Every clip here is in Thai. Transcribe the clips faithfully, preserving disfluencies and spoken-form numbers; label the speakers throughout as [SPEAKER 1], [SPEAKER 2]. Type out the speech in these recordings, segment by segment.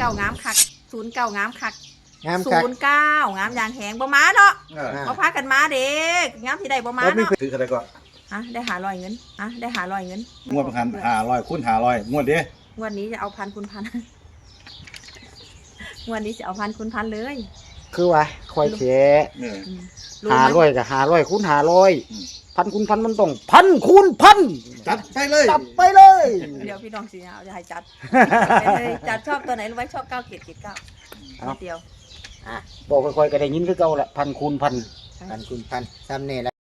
[SPEAKER 1] ก้างามคักศูนย์เก้างามคัก
[SPEAKER 2] งามคัก
[SPEAKER 1] ศูนย์เก้างามอย่างแหงบ่มาเนาะบ่พากันมาเด็กงามที่ใดบ่มาเนาะ
[SPEAKER 3] ถืออะไรก็
[SPEAKER 1] ฮะได้หาร้อยเงินฮะได้หาร้อยเงิน
[SPEAKER 3] งวดพันหาร้อยคูณหาร้อยงวดเด้
[SPEAKER 1] งวดนี้จะเอาพันคูณพันงวดนี้จะเอาพันคูณพันเลย
[SPEAKER 2] คือว่าคอยเฉะหาร้อยกับหาร้อยคูณหาร้อยพันคูณพันมันต้องพันคูณพัน
[SPEAKER 3] จัดไปเลย
[SPEAKER 2] จัดไปเลย
[SPEAKER 1] เดี๋ยวพี่น้องสิเอาจะให้จัดจัดชอบตัวไหนรู้ไหมชอบเก้าเกียรติเกียรติเก้าเดียว
[SPEAKER 2] บอกค่อยๆก็ได้ยินคือเก่าแหละพันคูณพันพันคูณพันซ้ำเนี่ยแหละ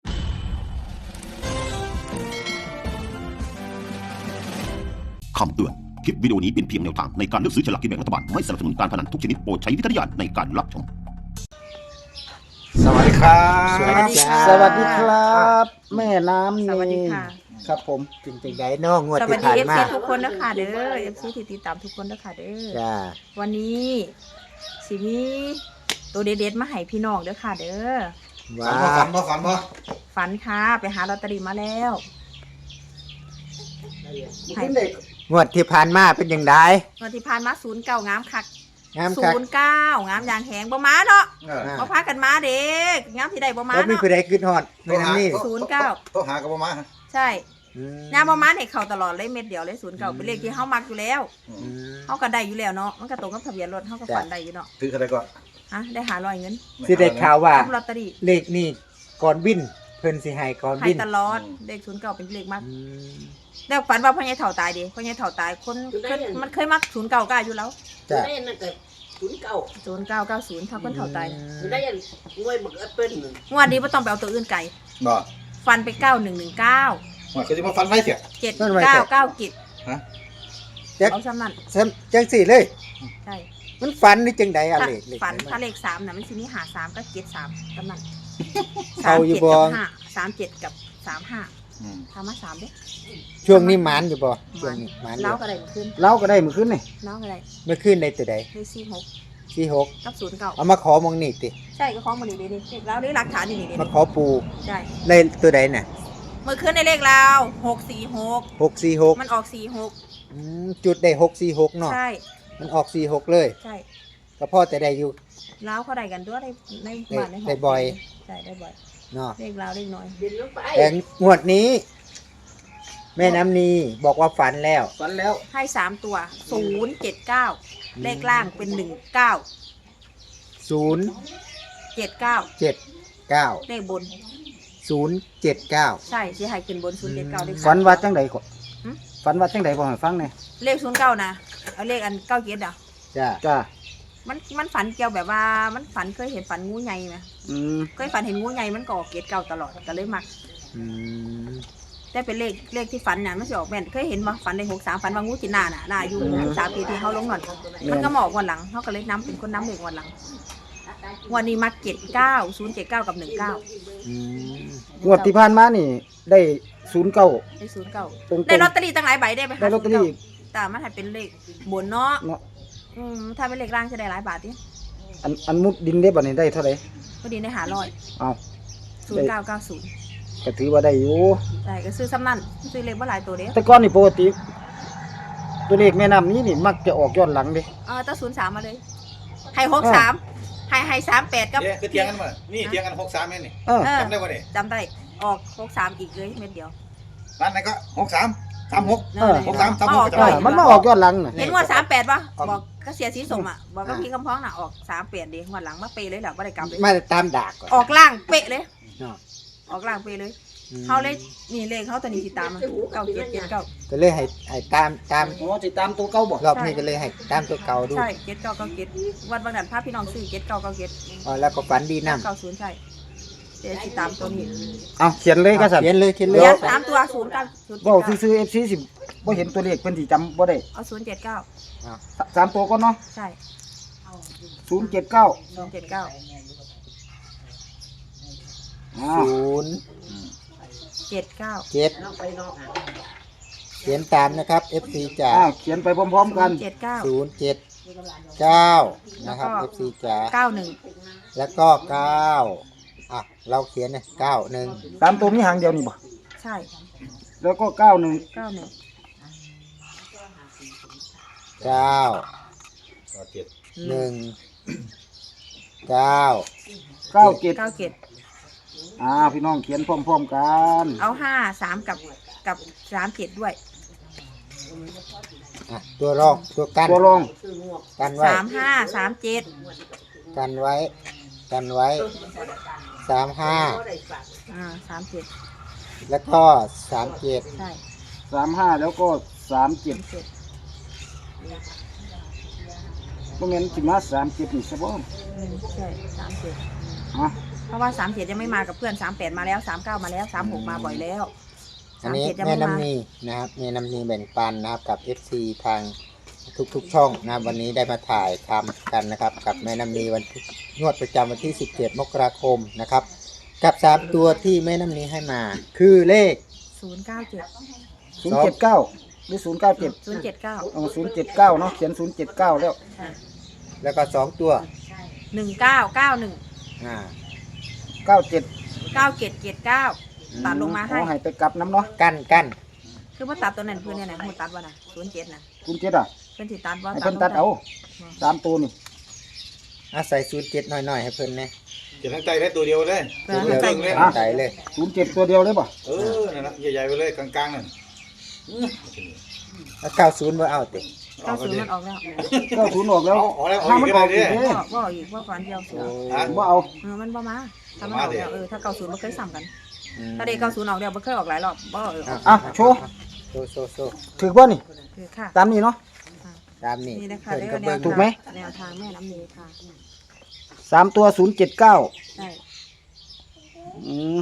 [SPEAKER 4] คำเตือนคลิปวิดีโอนี้เป็นเพียงแนวทางในการเลือกซื้อฉลากกินแบ่งรัฐบาลไม่สนับสนุนการพนันทุกชนิดโปรดใช้วิจารณญาณในการรับชม
[SPEAKER 3] สวัสดีครับ
[SPEAKER 2] สวัสดีครับสวัสดีครับแม่น้ำ
[SPEAKER 1] สวัสดีค่ะ
[SPEAKER 2] ครับผมจริงๆได้น้องงวด
[SPEAKER 1] ที่ผ่านมาสวัสดีเอฟซีทุกคนนะคะเด้อเอฟซีที่ติดตามทุกคนนะคะเด้อวันนี้สิมีตัวเด็ดๆมาให้พี่น้องเด้อค่ะเด้อ
[SPEAKER 3] ฝันบ่ฝันบ่ฝันบ่
[SPEAKER 1] ฝันค่ะไปหาลอตเตอรี่มาแล้ว
[SPEAKER 2] งวดที่ผ่านมาเป็นยังไง
[SPEAKER 1] งวดที่ผ่านมาศูนย์เก้างามคัก
[SPEAKER 2] งาม
[SPEAKER 1] ศูนย์เก้างามอย่างแหงบ่มาเนาะบ่พากันมาเด็กงามที่ใดบ่มาเนาะ
[SPEAKER 2] บ่มีผู้ใดขึ้นฮอดแม่น้ำนี่
[SPEAKER 1] ศูนย์เก้า
[SPEAKER 3] โทรหากับบ่มา
[SPEAKER 1] ใช่งามบ่มาให้เข้าตลอดเลยเม็ดเดียวเลยศูนย์เก้าเป็นเลขที่เฮามักอยู่แล้วเฮาก็ได้อยู่แล้วเนาะมันก็ตรงกับทะเบียนรถเฮาก็ฝันได้อยู่เนาะ
[SPEAKER 3] ถืออะไรก็
[SPEAKER 1] ฮะได้หาร้อยเงิน
[SPEAKER 2] สิได้ข่าวว่า
[SPEAKER 1] ลอตเตอรี่
[SPEAKER 2] เลขนี่ก่อนวินเพิ่นสิให้ก่อนวิน
[SPEAKER 1] ให้ตลอดเลขศูนย์เก้าเป็นเลขมักแล้วฝันว่าพ่อใหญ่เฒ่าตายดิพ่อใหญ่เฒ่าตายคนมันเคยมักศูนย์เก้าก็อยู่แล้ว
[SPEAKER 2] จ้ะ
[SPEAKER 5] ศูนย์เก้า
[SPEAKER 1] ศูนย์เก้าเก้าศูนย์ถ้าคนเฒ่าตาย
[SPEAKER 5] ได้ยันงวยบักแอปเปิ้ล
[SPEAKER 1] งวดนี้บ่ต้องไปเอาตัวอื่นไกล
[SPEAKER 3] บ่
[SPEAKER 1] ฟันไปเก้าหนึ่งหนึ่งเก้า
[SPEAKER 3] ว่าคือจะมาฟันไว้เสีย
[SPEAKER 1] เจ็ดเก้าเก้ากิจ
[SPEAKER 3] ฮะ
[SPEAKER 1] เอาซ้ำนั่น
[SPEAKER 2] จังสี่เลย
[SPEAKER 1] ใช่
[SPEAKER 2] มันฝันนี่จังใดอะเลข
[SPEAKER 1] ฝันถ้าเลขสามน่ะมันสิมีหาสามก็เจ็ดสามซ้ำนั่น
[SPEAKER 2] เอาอยู่บ่
[SPEAKER 1] สามเจ็ดกับสามห้าทำมาสามเด้
[SPEAKER 2] ช่วงนี้หมานอยู่บ่ช่วงนี้หมาน
[SPEAKER 1] เล่าก็ได้เมื่อคืน
[SPEAKER 2] เล่าก็ได้เมื่อคืนนี่
[SPEAKER 1] เล่าก็ได้
[SPEAKER 2] เมื่อคืนได้ตัวใด
[SPEAKER 1] ได้สี่หก
[SPEAKER 2] สี่หก
[SPEAKER 1] กับศูนย์เก้า
[SPEAKER 2] เอามาขอมองนี่ติ
[SPEAKER 1] ใช่ก็ขอมานี่ดิเลขเราได้หลักฐานนี่นี่
[SPEAKER 2] มาขอปู
[SPEAKER 1] ใช่
[SPEAKER 2] ได้ตัวใดน่ะ
[SPEAKER 1] เมื่อคืนในเลขเราหกสี่หก
[SPEAKER 2] หกสี่หก
[SPEAKER 1] มันออกสี่หก
[SPEAKER 2] จุดได้หกสี่หกเนาะ
[SPEAKER 1] ใช่
[SPEAKER 2] มันออกสี่หกเลย
[SPEAKER 1] ใช่
[SPEAKER 2] ก็พ่อแต่ได้อยู่
[SPEAKER 1] แล้วเขาได้กันด้วยในในบ้านในห้อง
[SPEAKER 2] ได้บ่อย
[SPEAKER 1] ใช่ได้บ่อย
[SPEAKER 2] เนาะ
[SPEAKER 1] เลขเราเลขน้อย
[SPEAKER 2] แต่งวดนี้แม่น้ำนีบอกว่าฝันแล้ว
[SPEAKER 3] ฝันแล้ว
[SPEAKER 1] ให้สามตัวศูนย์เจ็ดเก้าเลขล่างเป็นหนึ่งเก้า
[SPEAKER 2] ศูนย์
[SPEAKER 1] เจ็ดเก้า
[SPEAKER 2] เจ็ดเก้า
[SPEAKER 1] เลขบน
[SPEAKER 2] ศูนย์เจ็ดเก้า
[SPEAKER 1] ใช่ที่ให้ขึ้นบนศูนย์เจ็ดเก้าเลข
[SPEAKER 2] ฝันว่าจังใดก่อนฝันว่าจังใดบอกให้ฟังหน่อย
[SPEAKER 1] เลขศูนย์เก้านะเอาเลขอันเก้าเจ็ดอ่ะ
[SPEAKER 2] จ้าจ้า
[SPEAKER 1] มันมันฝันเกี่ยวแบบว่ามันฝันเคยเห็นฝันงูใหญ่ไหมเคยฝันเห็นงูใหญ่มันก็ออกเกตเก่าตลอดก็เลยมักแต่เป็นเลขเลขที่ฝันน่ะมันจะออกแม่นเคยเห็นมาฝันในหกสามฝันว่างูกินหน้าน่ะหน้าอยู่สามปีที่เขาลงหน่อยมันก็หมอกวันหลังเขาก็เลยน้ำเป็นคนน้ำเด็กวันหลังวันนี้มาเจ็ดเก้าศูนย์เจ็ดเก้ากับหนึ่งเก้าง
[SPEAKER 2] วดที่ผ่านมานี่ได้ศูนย์เก้า
[SPEAKER 1] ได้ศูนย์เก้าได้ลอตเตอรี่ตั้งหลายใบได้ไหม
[SPEAKER 2] ได้ลอตเตอรี่
[SPEAKER 1] แต่มันให้เป็นเลขบนเนาะอืมถ้าเป็นเลขล่างจะได้หลายบาทดิ
[SPEAKER 2] อันอันมุดดินได้บ่เนี่ยได้เท่าไหร่
[SPEAKER 1] มุดดินได้หาร้อย
[SPEAKER 2] เอา
[SPEAKER 1] ศูนย์เก้าเก้าศูนย์
[SPEAKER 2] ก็ถือว่าได้อยู่
[SPEAKER 1] ใช่ก็ซื้อซ้ำนั่นซื้อเลขว่าหลายตัวเด้
[SPEAKER 2] แต่ก่อนนี่ปกติตัวเลขแม่น้ำนี้นี่มักจะออกย้อนหลังดิ
[SPEAKER 1] เออตั้งศูนย์สามมาเลยให้หกสามให้ให้สามแปดกับ
[SPEAKER 3] คือเทียงกันมานี่เทียงกันหกสามเองนี่จำได้ป่ะเนี่ย
[SPEAKER 1] จำได้ออกหกสามอีกเลยเม็ดเดียว
[SPEAKER 3] ร้านไหนก็หกสามสามหกหกสามสามหก
[SPEAKER 2] มันมาออกย้อนหลัง
[SPEAKER 1] เห็นว่าสามแปดป่ะบอกก็เสียสีสมอ่ะบอกก็พี่กำพ้องน่ะออกสามแปดดีวันหลังมาเปย์เลยแหละว่าได้กลับเลย
[SPEAKER 2] มาตามดาก
[SPEAKER 1] ออกล่างเป๊ะเลยออกล่างเป๊ะเลยเขาเลยนี่เลขเขาตัวนี้ติดตามเก้าเจ็ดเจ็ดเก้า
[SPEAKER 2] ก็เลยให้ให้ตามตาม
[SPEAKER 3] โอ้ติดตามตัวเก่าบอก
[SPEAKER 2] รอบนี้ก็เลยให้ตามตัวเก่าดู
[SPEAKER 1] ใช่เจ็ดเก้าเก้าเจ็ดวันบางนั้นพาพี่น้องซื้อเจ็ดเก้าเก้าเจ็ด
[SPEAKER 2] อ๋อแล้วก็ฝันดีน้
[SPEAKER 1] ำเก้าศูนย์ใช่เดี๋ยวติดตามตัวนี้
[SPEAKER 2] เอาเขียนเลยก็สั่นเขียนเลยเขียนเลย
[SPEAKER 1] สามตัวศูนย์เก้า
[SPEAKER 2] บอกซื้อเอฟซีสิบ่เห็นตัวเลขเป็นสีจำบ่ได้
[SPEAKER 1] เอาศูนย์เจ็ดเก้า
[SPEAKER 2] สามตัวก็เนาะ
[SPEAKER 1] ใช่
[SPEAKER 2] ศูนย์เจ็ดเก้า
[SPEAKER 1] ศูนย์เจ็ดเก้า
[SPEAKER 2] ศูนย์
[SPEAKER 1] เจ็ดเก้า
[SPEAKER 2] เจ็ดเขียนตามนะครับ เอฟ ซี จ๋าเขียนไปพร้อมๆกัน
[SPEAKER 1] เจ็ดเก้า
[SPEAKER 2] ศูนย์เจ็ดเก้านะครับ เอฟ ซี จ๋า
[SPEAKER 1] เก้าหนึ่ง
[SPEAKER 2] แล้วก็เก้าอ่ะเราเขียนเนี่ยเก้าหนึ่งสามตัวมีหางเดียวนี่บ่
[SPEAKER 1] ใช่
[SPEAKER 2] แล้วก็เก้าหนึ่ง
[SPEAKER 1] เก้าหนึ่ง
[SPEAKER 2] เก้า
[SPEAKER 3] เจ็ด
[SPEAKER 2] หนึ่งเก้า
[SPEAKER 6] เก้าเจ็ด
[SPEAKER 1] เก้าเจ็ด
[SPEAKER 6] อ่าพี่น้องเขียนพร้อมๆกัน
[SPEAKER 1] เอาห้าสามกับกับสามเจ็ดด้วย
[SPEAKER 2] อ่ะตัวรองตัวกัน
[SPEAKER 6] ตัวรอง
[SPEAKER 2] กันไว้
[SPEAKER 1] สามห้าสามเจ็ด
[SPEAKER 2] กันไว้กันไว้สามห้า
[SPEAKER 1] อ่าสามเจ็ด
[SPEAKER 2] แล้วก็สามเจ็ด
[SPEAKER 1] ใช่
[SPEAKER 6] สามห้าแล้วก็สามเจ็ด
[SPEAKER 1] เจ็ด
[SPEAKER 6] พวกนั้นสิมาสามเจ็ดนี่ใช่ป่ะ
[SPEAKER 1] อืมใช่สามเจ็ด
[SPEAKER 6] อ่ะ
[SPEAKER 1] เพราะว่าสามเจ็ดยังไม่มากับเพื่อนสามแปดมาแล้วสามเก้ามาแล้วสามหกมาบ่อยแล้ว
[SPEAKER 2] อัน
[SPEAKER 1] สาม
[SPEAKER 2] นี้
[SPEAKER 1] เจ็ดยัง
[SPEAKER 2] แม่
[SPEAKER 1] ไม่มา
[SPEAKER 2] น้ำนีนะครับแม่น้ำนีแบ่งปันนะครับกับ เอฟ ซี ทางทุกๆช่องนะครับวันนี้ได้มาถ่ายทำกันนะครับกับแม่น้ำนีวันที่งวดประจำวันที่สิบเจ็ดมกราคมนะครับกับสามตัวที่แม่น้ำนีให้มา คือเลข
[SPEAKER 1] ศูนย์เก้าเจ็ด
[SPEAKER 6] ศูนย์เจ็ดเก้าหรือศูนย์เก้าเจ็ด
[SPEAKER 1] ศูนย์เจ็ดเก้า
[SPEAKER 6] เอาศูนย์เจ็ดเก้าเนาะเขียนศูนย์เจ็ดเก้าแล้ว
[SPEAKER 2] แล้วก็สองตัว
[SPEAKER 1] หนึ่งเก้าเก้าหนึ่ง
[SPEAKER 2] อ่า
[SPEAKER 6] เก้าเจ็ด
[SPEAKER 1] เก้าเจ็ดเจ็ดเก้าตัดลงมาให้
[SPEAKER 6] เอาให้ไปกลับน้ำเนาะ
[SPEAKER 2] กันกัน
[SPEAKER 1] คือว่าตัดตัวนั้นเพื่อนเนี่ยนะหูตัดว่านะศูนย์เจ็ดนะ
[SPEAKER 6] ศูนย์เจ็ดอ่ะ
[SPEAKER 1] เพื่อนสิตัดว่า
[SPEAKER 6] ให้เพิ่นตัดเอาสามตัวนี่
[SPEAKER 2] อาศัยศูนย์เจ็ดหน่อยๆให้เพิ่นนะ
[SPEAKER 3] เจ็ดทั้งใจได้ตัวเดียวเลย
[SPEAKER 1] เพื่อน
[SPEAKER 2] เดียว
[SPEAKER 1] ใส่
[SPEAKER 3] เลย
[SPEAKER 2] ใจเลย
[SPEAKER 6] ศูนย์เจ็ดตัวเดียวเลยป่ะ
[SPEAKER 3] เออนั่นแหละใหญ่ๆไปเลยกลางๆนั่น
[SPEAKER 2] แล้วเก้าศูนย์บ่เอาติ
[SPEAKER 1] เก้าศูนย์มันออกแล้ว
[SPEAKER 6] เก้าศูนย์ออกแล้ว
[SPEAKER 3] เอาออกแล้วออก
[SPEAKER 6] ถ้า
[SPEAKER 3] อี
[SPEAKER 6] มัน
[SPEAKER 3] ก
[SPEAKER 6] อ
[SPEAKER 3] ก็
[SPEAKER 6] อก
[SPEAKER 3] ได้
[SPEAKER 6] อีก
[SPEAKER 3] ดิ
[SPEAKER 6] เด้
[SPEAKER 1] ว่าว่าอีกว่าก่อนเดียวเสือ
[SPEAKER 3] ฮะ
[SPEAKER 6] บ่เอา
[SPEAKER 1] เออมันบ่มาถ้ามันออกแล้วเออถ้าเก้าศูนย์มันเคยซ้ำกัน
[SPEAKER 2] อืม
[SPEAKER 1] ถ้าเด็กเก้าศูนย์ออกแล้วมันเคยออกหลายรอบบ่เออออก
[SPEAKER 6] อ่ะโชว์
[SPEAKER 2] โซโซโซ
[SPEAKER 6] ถือว่านี่
[SPEAKER 1] คือค่ะ
[SPEAKER 6] ตามนี้เนาะ
[SPEAKER 2] ตามนี่
[SPEAKER 1] นี่นะคะ
[SPEAKER 2] เพิ่น
[SPEAKER 1] แน
[SPEAKER 2] ก็
[SPEAKER 1] ว
[SPEAKER 2] เบิ่ง
[SPEAKER 6] ถูกไหม
[SPEAKER 1] แนวทางแม่น้ำนี้ค่ะ
[SPEAKER 6] สามตัวศูนย์เจ็ดเก้า
[SPEAKER 1] ใช่
[SPEAKER 6] อืม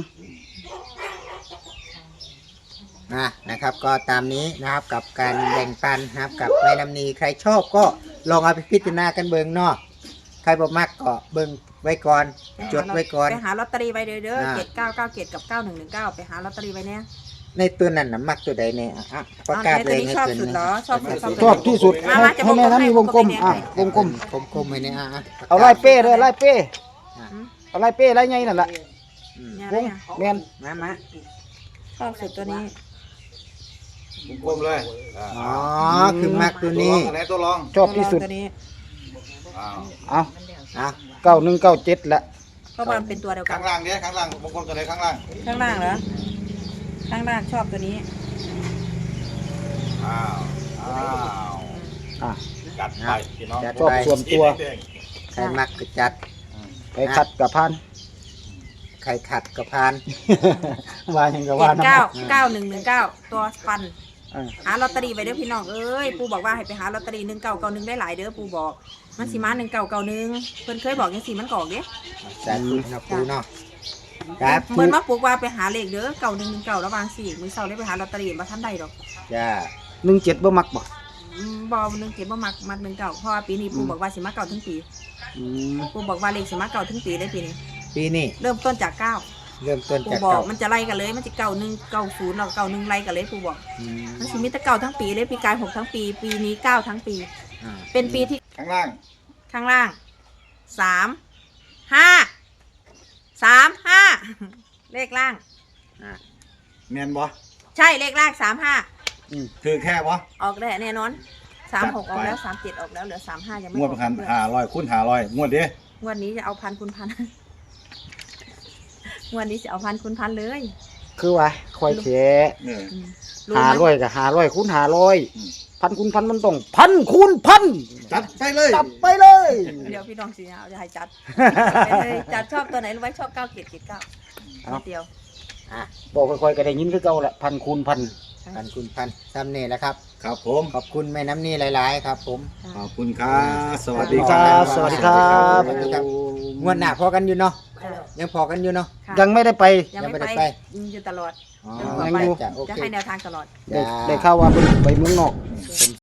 [SPEAKER 2] อ่ะนะครับก็ตามนี้นะครับกับการแบ่งปันนะครับกับแม่น้ำนีใครชอบก็ลองเอาไปพิจารณากันเบิ่งเนาะใครบ่มักก็เบิ่งไว้ก่อนจดไว้ก่อน
[SPEAKER 1] ไปหาลอตเตอรี่ไว้เด้อเด้อ
[SPEAKER 2] อ่า
[SPEAKER 1] เจ็ดเก้าเก้าเจ็ดกับเก้าหนึ่งหนึ่งเก้าไปหาลอตเตอรี่ไว้เนี่ย
[SPEAKER 2] ในตัวนั้นน่ะมักตัวใดเนี่ยอ่ะประกาศเลย
[SPEAKER 1] นี้ชอบสุดเหรอชอบสุด
[SPEAKER 6] ชอบที่สุด
[SPEAKER 1] มา
[SPEAKER 6] ให้
[SPEAKER 1] มาจะ
[SPEAKER 6] ให้แม่น้ำมีวงกลม
[SPEAKER 1] ให้
[SPEAKER 6] อ่ะวงกลม
[SPEAKER 2] กลมๆไว้เนี่ยอ่ะะ
[SPEAKER 6] เอาไล่เป้เลยไล่เป้
[SPEAKER 2] อ่ะ
[SPEAKER 6] เอาไล่เป้ไล่ไงนั่นแหละ
[SPEAKER 2] อืม
[SPEAKER 1] เนี่ยว
[SPEAKER 6] ง
[SPEAKER 1] เนี่ย
[SPEAKER 6] แมน
[SPEAKER 2] มามา
[SPEAKER 1] ชอบสุดตัวนี้
[SPEAKER 3] กลมเลยอ่า
[SPEAKER 2] อ๋อคือมักตัวนี้
[SPEAKER 3] อันไหนตัวรอง
[SPEAKER 6] ชอบที่สุด
[SPEAKER 1] ตัวนี้
[SPEAKER 3] อ้าว
[SPEAKER 6] เอา
[SPEAKER 2] อ่ะ
[SPEAKER 6] เก้าหนึ่งเก้าเจ็ดละ
[SPEAKER 1] เพราะว่ามันเป็นตัวเดียวกั
[SPEAKER 3] ข้าน งล่างเนี่ยข้างล่างวงกลมตัวไหนข้างล่าง
[SPEAKER 1] ข้างล่างเหรอข้างล่างชอบตัวนี้
[SPEAKER 3] อ้าวอ้าว
[SPEAKER 6] อ่ะ
[SPEAKER 3] จัดไปพี่น้อง
[SPEAKER 6] ชอบส่วนตัว
[SPEAKER 2] ใครมักก็จัด
[SPEAKER 6] ไปขัดกับพัน
[SPEAKER 2] ใครขัดก็พาน
[SPEAKER 6] ว่าอย่างกับ
[SPEAKER 1] เจ็
[SPEAKER 6] ว่า
[SPEAKER 1] ด
[SPEAKER 6] น้ำ
[SPEAKER 1] เก้าเก้าหนึ่งหนึ่งเก้าตัวฟัน
[SPEAKER 6] อ่ะ
[SPEAKER 1] หาลอตเตอรี่ไปเด้อพี่น้องเอ้ยปูบอกว่าให้ไปหาลอตเตอรี่หนึ่งเก้าเก้าหนึ่งได้หลายเด้อปูบอกมันสิมาหนึ่งเก้าเก้าหนึ่งเพิ่นเคยบอกยังสิมันกออกเด้
[SPEAKER 2] สาธุนะปูเนาะครับ
[SPEAKER 1] เหมือนมาปลูกว่าไปหาเลขเด้อเก้าหนึ่งหนึ่งเก้าระหว่างสี่มือเสาได้ไปหาลอตเตอรี่มาทันใดดอก
[SPEAKER 2] จ้า
[SPEAKER 6] หนึ่งเจ็ดบ่มักบ่
[SPEAKER 1] อืมบอหนึ่งเจ็ดบ่มักมักหนึ่งเก้าเพราะว่าปีนี้ปูบอกว่าสิมาเก้าทั้งปี
[SPEAKER 6] อืม
[SPEAKER 1] ปูบอกว่าเลขสิมาเก้าทั้งปีได้ปีนี้
[SPEAKER 2] ปีนี้
[SPEAKER 1] เริ่มต้นจากเก้า
[SPEAKER 2] เริ่มต้น
[SPEAKER 1] ปู
[SPEAKER 2] จาก
[SPEAKER 1] บอก
[SPEAKER 2] เก่า
[SPEAKER 1] มันจะไล่กันเลยมันจะเก้าหนึ่งเก้าศูนย์เราเก้าหนึ่งไล่กันเลยปูบอก
[SPEAKER 2] อืม
[SPEAKER 1] มันสิมีแต่เก้าทั้งปีเลยปีกายหกทั้งปี ปีนี้เก้าทั้งปี
[SPEAKER 2] อ่า
[SPEAKER 1] เป็นปีที่
[SPEAKER 3] ข้างล่าง
[SPEAKER 1] ข้างล่างสามห้าสามห้าเลขล่าง
[SPEAKER 2] อ่า
[SPEAKER 3] แมนบ่
[SPEAKER 1] ใช่เลขล่างสามห้า
[SPEAKER 3] คือแค่บ่
[SPEAKER 1] ออกได้แน่นอนสามหก
[SPEAKER 3] จั
[SPEAKER 1] อ
[SPEAKER 3] ด
[SPEAKER 1] อก
[SPEAKER 3] ไป
[SPEAKER 1] แล้วสามเจ็ดออกแล้วเหลือสามห้ายังไม่
[SPEAKER 3] งวด
[SPEAKER 1] อ
[SPEAKER 3] ป
[SPEAKER 1] อก
[SPEAKER 3] ระกัน
[SPEAKER 1] เพื่อน
[SPEAKER 3] ห้าร้อยคูณห้าร้อยงวดเด้
[SPEAKER 1] งวดนี้จะเอาพันคูณพัน งวดนี้จะเอาพันคูณพันเลย
[SPEAKER 6] คือว่าคอยแฉ
[SPEAKER 3] เออ
[SPEAKER 1] อืมรู้
[SPEAKER 6] หา
[SPEAKER 1] ไหม
[SPEAKER 6] ร้อยกับหาร้อยคูณหาร้อย
[SPEAKER 3] อืม
[SPEAKER 6] พันคูณพันมันต้องพันคูณพัน
[SPEAKER 3] จัดไปเลย
[SPEAKER 6] จับไปเลย
[SPEAKER 1] เดี๋ยวพี่น้องสิเอาจะให้จัดไปเลยจัดชอบตัวไหนรู้ไหมชอบเก้าเจ็ดเจ็ดเก้าเดียว
[SPEAKER 6] บอกค่อยๆก็ได้ยินคือเก่าแหละพันคูณพัน
[SPEAKER 2] พันคุณพันซ้ำเนี่ยแหละครับ
[SPEAKER 3] ครับผม
[SPEAKER 2] ขอบคุณแม่น้ำนี่หลาย ๆ ครับ ผม
[SPEAKER 3] ขอบคุณครับสวัสดี
[SPEAKER 6] ค
[SPEAKER 3] ค
[SPEAKER 6] รั
[SPEAKER 3] รั
[SPEAKER 6] บบ สวัสดีครับ
[SPEAKER 2] สวัสดีครับ งวดหน้าพอกันอยู่เนาะ
[SPEAKER 1] ค่ะ
[SPEAKER 2] ยังพอกันอยู่เนาะ
[SPEAKER 1] ค่ะ
[SPEAKER 6] ยังไม่ได้ไป
[SPEAKER 1] ยังไม่
[SPEAKER 2] ยังไม่ได้
[SPEAKER 1] ไป
[SPEAKER 2] ไป
[SPEAKER 1] อืมอยู่ตลอด
[SPEAKER 2] อ๋อ
[SPEAKER 1] จนกว่าไป
[SPEAKER 6] ยังอยู่
[SPEAKER 2] จะโอ
[SPEAKER 1] จะ
[SPEAKER 2] เค
[SPEAKER 1] ให้แนวทางตลอด
[SPEAKER 6] ได้
[SPEAKER 2] จ้า
[SPEAKER 6] ได้ข่าวว่าเพิ่นไปเมืองนอก
[SPEAKER 2] เป็น